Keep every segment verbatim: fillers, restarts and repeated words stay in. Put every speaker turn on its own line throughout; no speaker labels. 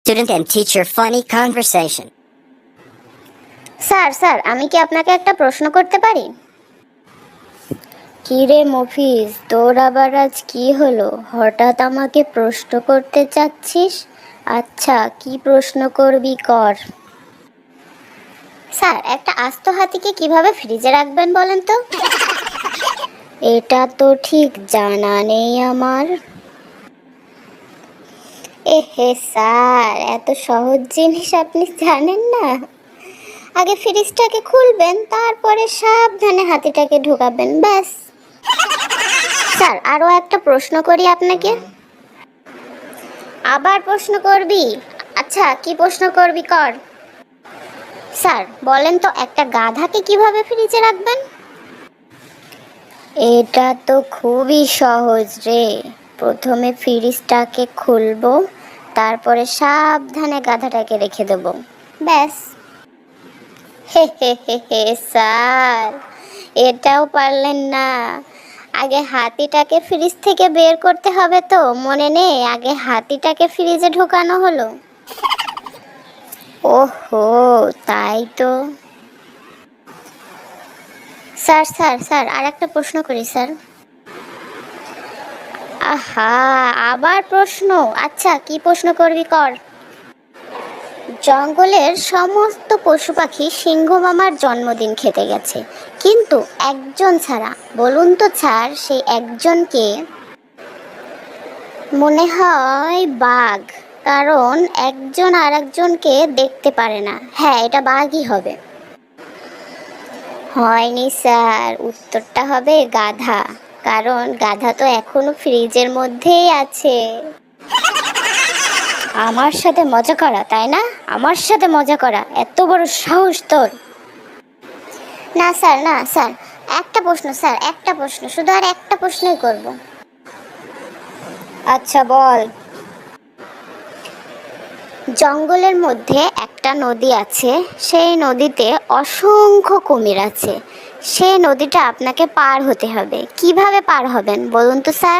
Student and teacher funny conversation.
Sir sir আমি কি আপনাকে একটা প্রশ্ন করতে পারি? কি রে মফিজ, তোর আবার আজ কি হলো? হঠাৎ আমাকে প্রশ্ন করতে চাচ্ছিস? আচ্ছা, কি প্রশ্ন করবি কর। স্যার, একটা আস্ত হাতিকে কিভাবে ফ্রিজে রাখবেন বলেন তো? এটা তো ঠিক জানা নেই আমার। এ হে স্যার, এত সহজ জিনিস আপনি জানেন না? আগে ফ্রিজটাকে খুলবেন, তারপরে সাবধানে হাতিটাকে ঢোকাবেন, ব্যাস। স্যার, আরও একটা প্রশ্ন করি আপনাকে। আবার প্রশ্ন করবি? আচ্ছা, কি প্রশ্ন করবি কর। স্যার বলেন তো, একটা গাধাকে কিভাবে ফ্রিজে রাখবেন? এটা তো খুবই সহজ রে। প্রথমে ফ্রিজটাকে খুলবো, তারপরে সাবধানে গাধাটাকে রেখে দেবো, ব্যাস। হে হে হে হে স্যার, এটাও পারলেন না? আগে হাতিটাকে ফ্রিজ থেকে বের করতে হবে তো, মনে নেই? আগে হাতিটাকে ফ্রিজে ঢোকানো হলো। ওহো, তাই তো। স্যার স্যার স্যার আর একটা প্রশ্ন করি স্যার। আহা, আবার প্রশ্ন? আচ্ছা, কি প্রশ্ন করবি কর। জঙ্গলের সমস্ত পশু পাখি সিংহ মামার জন্মদিন খেতে গেছে, কিন্তু একজন ছাড়া। বলুন তো স্যার, সেই একজনকে? মনে হয় বাঘ, কারণ একজন আর একজনকে দেখতে পারে না। হ্যাঁ, এটা বাঘই হবে। হয়নি স্যার, উত্তরটা হবে গাধা, কারণ গাধা তো এখনো ফ্রিজের মধ্যেই আছে। আমার সাথে মজা করা, তাই না? আমার সাথে মজা করা, এত বড় সাহস তোর? না স্যার, না স্যার, একটা প্রশ্ন স্যার, একটা প্রশ্ন, শুধু আর একটা প্রশ্নই করব। আচ্ছা বল। জঙ্গলের মধ্যে একটা নদী আছে, সেই নদীতে অসংখ্য কুমির আছে। সেই নদীটা আপনাকে পার হতে হবে, কিভাবে পার হবেন বলুন তো স্যার?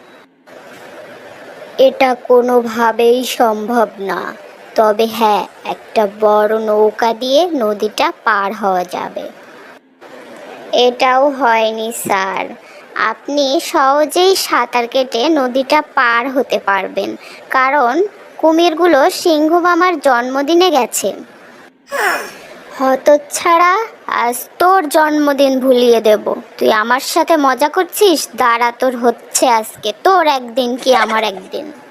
এটা কোনোভাবেই সম্ভব না, তবে হ্যাঁ, একটা বড় নৌকা দিয়ে নদীটা পার হওয়া যাবে। এটাও হয়নি স্যার, আপনি সহজেই সাঁতার কেটে নদীটা পার হতে পারবেন, কারণ কুমিরগুলো সিংহ মামার জন্মদিনে গেছে। হতচ্ছাড়া, আজ তোর জন্মদিন ভুলিয়ে দেব। তুই আমার সাথে মজা করছিস? দাঁড়া, তোর হচ্ছে আজকে, তোর একদিন কি আমার একদিন।